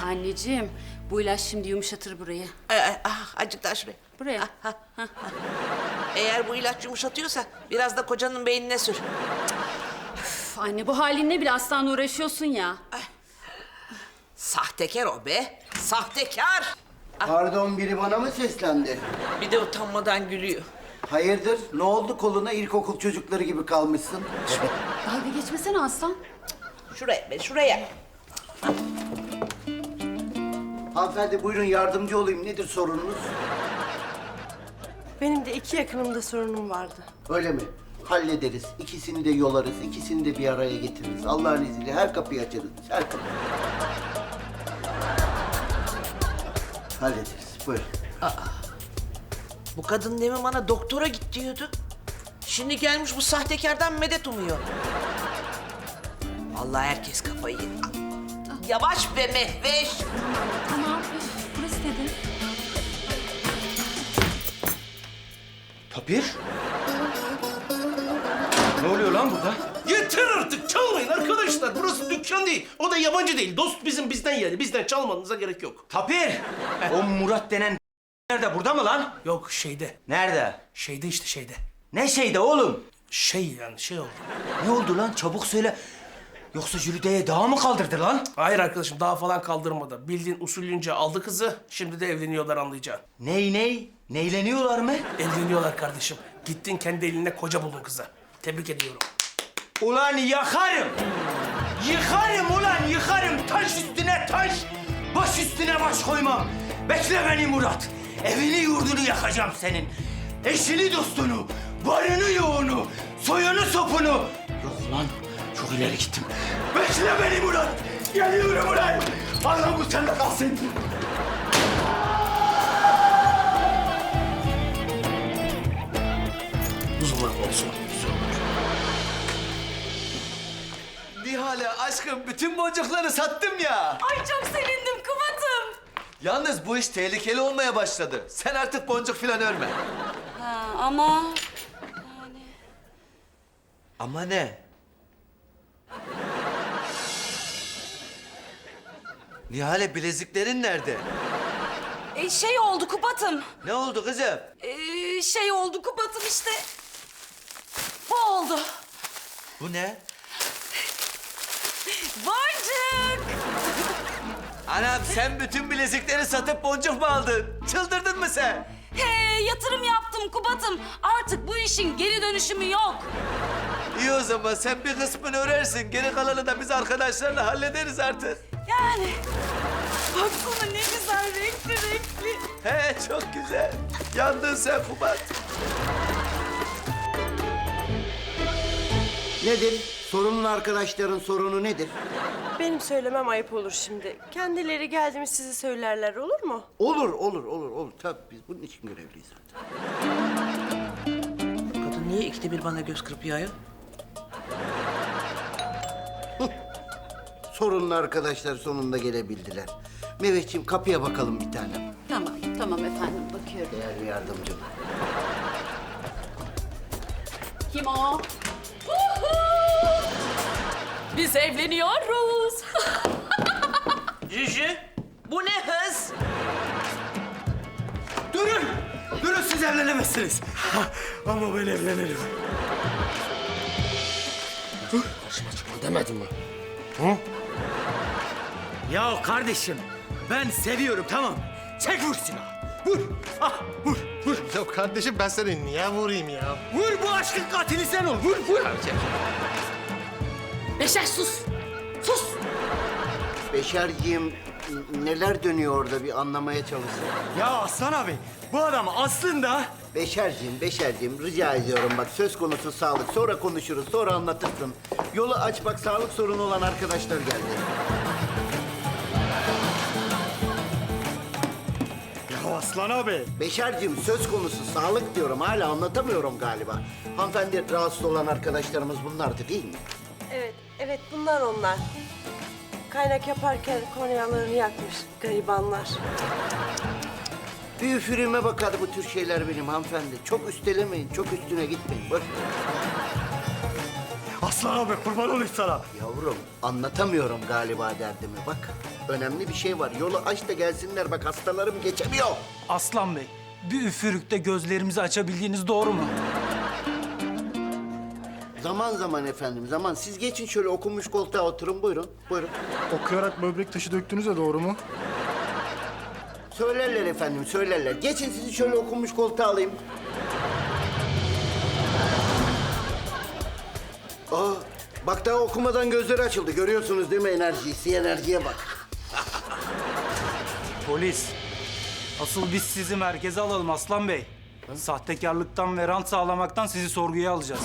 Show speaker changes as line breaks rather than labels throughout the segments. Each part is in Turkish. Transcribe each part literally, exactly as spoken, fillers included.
Anneciğim, bu ilaç şimdi yumuşatır burayı.
Ee, ah, azıcık daha şuraya.
Buraya.
Ah, ah, ah, ah. Eğer bu ilaç yumuşatıyorsa biraz da kocanın beynine sür.
Üf, anne, bu halinle bile aslan uğraşıyorsun ya.
Sahtekar o be. Sahtekar.
Pardon, biri bana mı seslendi?
Bir de utanmadan gülüyor.
Hayırdır? Ne oldu koluna ilkokul çocukları gibi kalmışsın?
Dalga geçmesene aslan.
Şuraya be, şuraya.
Hanımefendi buyurun yardımcı olayım. Nedir sorununuz?
Benim de iki yakınımda sorunum vardı.
Öyle mi? Hallederiz. İkisini de yolarız. İkisini de bir araya getiririz. Allah'ın izniyle her kapıyı açarız. Her kapıyı. Hallederiz. Buyurun.
Bu kadın demin bana doktora git diyordu. Şimdi gelmiş bu sahtekardan medet umuyor. Vallahi herkes kafayı yedi. Yavaş be Mehveş.
Tamam, üf, burası dedin.
Tapir? Ne oluyor lan burada?
Yeter artık, çalmayın arkadaşlar. Burası dükkan değil. O da yabancı değil. Dost bizim bizden yani. Bizden çalmanıza gerek yok.
Tapir! O Murat denen nerede? Burada mı lan?
Yok şeyde.
Nerede?
Şeyde işte şeyde.
Ne şeyde oğlum?
Şey yani şey oldu.
Ne oldu lan? Çabuk söyle. Yoksa Jülide'ye dağa mı kaldırdı lan?
Hayır arkadaşım daha falan kaldırmadı. Bildiğin usulünce aldı kızı. Şimdi de evleniyorlar anlayacağın.
Ney ney? Neyleniyorlar mı?
Evleniyorlar kardeşim. Gittin kendi eline koca buldun kıza. Tebrik ediyorum.
Ulan yakarım! Yıkarım ulan yıkarım! Taş üstüne taş! Baş üstüne baş koymam! Bekle beni Murat! Evini yurdunu yakacağım senin! Eşini dostunu, barını yoğunu, soyunu sopunu! Yok lan, çok ileri gittim. Bekle beni Murat! Geliyorum ulan! Allah bu sende kalsın!
Uzunlar olsun.
Nihale aşkım bütün boncukları sattım ya.
Ay çok sevindim Kubat'ım.
Yalnız bu iş tehlikeli olmaya başladı. Sen artık boncuk falan örme.
Ha, ama...
Ama ne? Nihale bileziklerin nerede?
E, şey oldu Kubat'ım.
Ne oldu kızım?
E, şey oldu Kubat'ım işte. Bu oldu.
Bu ne?
Boncuk.
Anam sen bütün bilezikleri satıp boncuk mu aldın? Çıldırdın mı sen?
He, yatırım yaptım Kubat'ım. Artık bu işin geri dönüşümü yok.
İyi o zaman sen bir kısmını örersin. Geri kalanı da biz arkadaşlarla hallederiz artık.
Yani. Baksana ne güzel renkli renkli.
He çok güzel. Yandın sen Kubat.
Nedir? Sorunun arkadaşların sorunu nedir?
Benim söylemem ayıp olur şimdi. Kendileri geldi mi size söylerler olur mu?
Olur, olur, olur, olur. Tabii biz bunun için görevliyiz zaten.
Kadın niye ikide bir bana göz kırpıyor ayol?
Sorunun arkadaşlar sonunda gelebildiler. Mehmetciğim kapıya bakalım bir tanem.
Tamam, tamam efendim, bakıyorum.
Değerli yardımcım.
Kim o?
Biz evleniyoruz.
Jüjü, bu ne hız?
Durun! Durun siz evlenemezsiniz.
Ama ben evlenirim.
Başıma çıkma demedim mi? Hı? Ya kardeşim, ben seviyorum tamam. Çek vur silahı. Vur. Ah, vur, vur.
Ya kardeşim ben seni niye vurayım ya?
Vur bu aşkın katili sen ol. Vur, vur.
Beşer sus. Sus.
Beşerciğim neler dönüyor orada bir anlamaya çalışsın.
Ya Aslan abi, bu adam aslında...
Beşerciğim, Beşerciğim rica ediyorum bak söz konusu sağlık. Sonra konuşuruz, sonra anlatırsın. Yolu aç bak sağlık sorunu olan arkadaşlar geldi.
Ya Aslan abi.
Beşerciğim söz konusu sağlık diyorum. Hala anlatamıyorum galiba. Hanımefendi rahatsız olan arkadaşlarımız bunlardı değil mi?
Evet, evet bunlar onlar. Kaynak yaparken kornealarını yakmış garibanlar.
Bir üfürüğüme bakar bu tür şeyler benim hanımefendi. Çok üstelemeyin, çok üstüne gitmeyin. Boş ver.
Aslan abi kurban olayım sana.
Yavrum anlatamıyorum galiba derdimi bak. önemli bir şey var. Yolu aç da gelsinler. Bak hastalarım geçemiyor.
Aslan Bey, bir üfürükte gözlerimizi açabildiğiniz doğru mu?
Zaman zaman efendim, zaman. Siz geçin şöyle okunmuş koltuğa oturun. Buyurun, buyurun.
Okuyarak böbrek taşı döktünüz de doğru mu?
Söylerler efendim, söylerler. Geçin sizi şöyle okunmuş koltuğa alayım. Aa, bak daha okumadan gözleri açıldı. Görüyorsunuz değil mi enerjiyi? Si enerjiye bak.
Polis, asıl biz sizi merkeze alalım Aslan Bey. Sahtekarlıktan ve rant sağlamaktan sizi sorguya alacağız.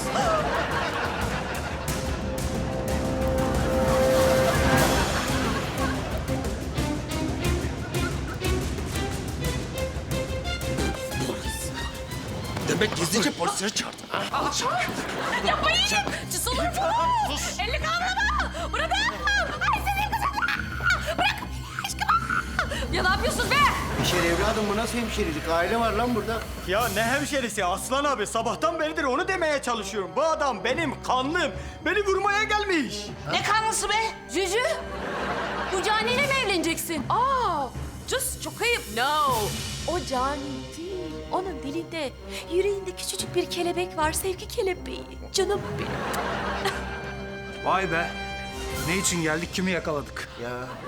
Demek gizlice polisleri çağırdın.
Yapmayın! Sus olur mu? Elini kaldırma! Bırakın! Ay senin kızım! Bırak! Aşkım! Ya ne yapıyorsunuz be?
Hemşire evladım bu nasıl hemşirelik? Aile var lan burada.
Ya ne hemşerisi Aslan abi? Sabahtan beridir onu demeye çalışıyorum. Bu adam benim kanlım. Beni vurmaya gelmiş.
Ne kanlısı be?
Cücü, bu caniyle mi evleneceksin?
Aa! Just çok ayıp. No!
O cani değil. Onun dilinde, yüreğinde küçücük bir kelebek var. Sevgi kelebeği. Canım benim.
Vay be, ne için geldik, kimi yakaladık?
Ya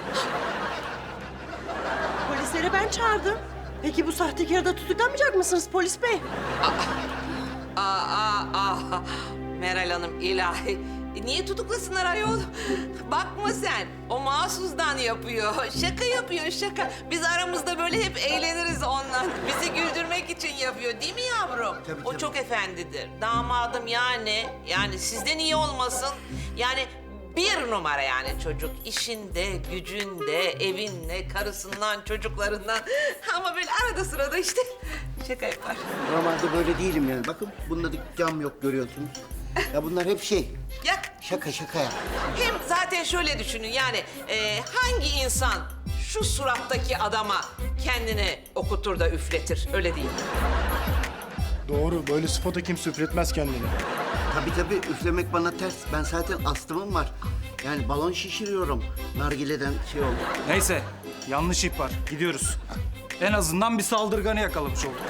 Polisleri ben çağırdım. Peki bu sahtekarı da tutuklamayacak mısınız polis bey?
Aa, aa, aa. Meral Hanım ilahi. Niye tutuklasınlar ayol? Bakma sen. O mahsusdan yapıyor. Şaka yapıyor şaka. Biz aramızda böyle hep eğleniriz ondan. Bizi güldürmek için yapıyor değil mi yavrum?
Tabii,
o
tabii.
çok efendidir. Damadım yani. Yani sizden iyi olmasın. Yani bir numara yani çocuk. İşinde, gücünde, evinde, karısından, çocuklarından. Ama böyle arada sırada işte şaka yapar.
normalde böyle değilim yani. Bakın bunda da cam yok görüyorsunuz. Ya bunlar hep şey.
Yak.
Şaka şaka ya.
Hem zaten şöyle düşünün yani e, hangi insan şu surattaki adama kendini okutur da üfletir öyle değil mi?
Doğru, böyle spota kimse üfletmez kendini.
Tabii tabii üflemek bana ters. Ben zaten astımım var. Yani balon şişiriyorum. Nargileden şey oldu.
Neyse, yanlış ihbar. Gidiyoruz. En azından bir saldırganı yakalamış olduk.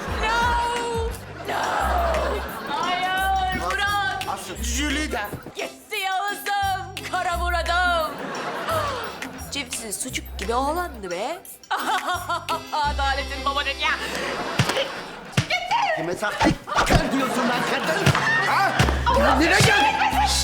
Hayır! Murat!
Jülide.
Gitti Yağız'ım! Kara Murat'ım! Cipsi sucuk gibi oğlandı be. Adaletin babanın ya.
Kime sahtekar diyorsun lan kadın? Ha? Kendine gel.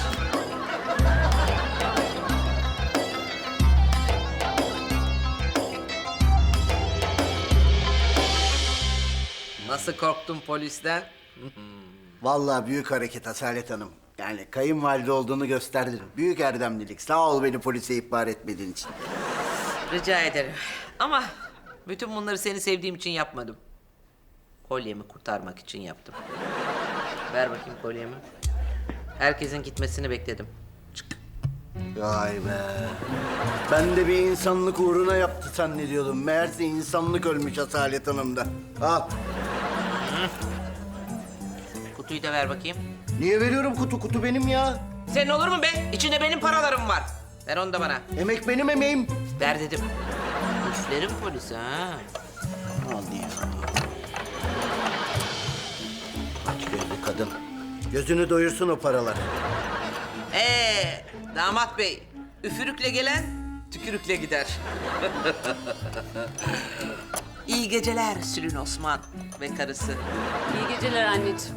Nasıl korktun polisten?
Vallahi büyük hareket Asalet Hanım. Yani kayınvalide olduğunu gösterdin. Büyük erdemlilik. Sağ ol beni polise ihbar etmediğin için.
Rica ederim. Ama bütün bunları seni sevdiğim için yapmadım. Kolyemi kurtarmak için yaptım. Ver bakayım kolyemi. Herkesin gitmesini bekledim. Çık.
Vay be. Ben de bir insanlık uğruna yaptı zannediyordum. Meğerse insanlık ölmüş Asalet Hanım'da. Al.
Kutuyu da ver bakayım.
Niye veriyorum kutu? Kutu benim ya.
Senin olur mu be? İçinde benim paralarım var. Ver onu da bana.
Emek benim emeğim.
Ver dedim. Üflerim polise ha.
Al ya. Aç gözlü kadın. Gözünü doyursun o paralar.
Ee, damat bey, üfürükle gelen tükürükle gider. İyi geceler Sülün Osman ve karısı.
İyi geceler anneciğim.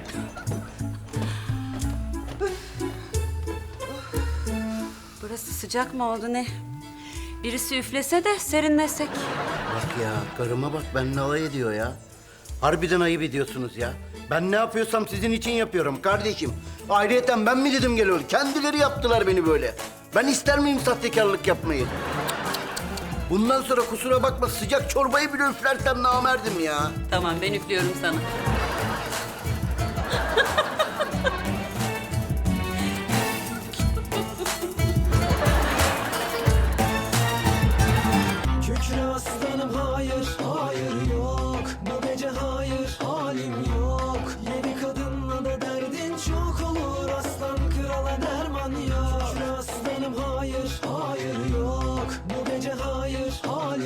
Burası sıcak mı oldu ne? Birisi üflese de serinlesek.
Bak ya, karıma bak benimle alay ediyor ya. Harbiden ayıp ediyorsunuz ya. Ben ne yapıyorsam sizin için yapıyorum kardeşim. Ayrıyeten ben mi dedim gel öyle? Kendileri yaptılar beni böyle. Ben ister miyim sahtekarlık yapmayı? Bundan sonra kusura bakma sıcak çorbayı bile üflersem namerdim ya.
Tamam ben üflüyorum sana.
Kükre aslanım hayır, hayır yok. Bu gece hayır, halim yok. Yedi kadınla da derdin çok olur. Aslan krala derman yok. Kükre aslanım hayır, hayır yok. Bu gece hayır. hayır, halim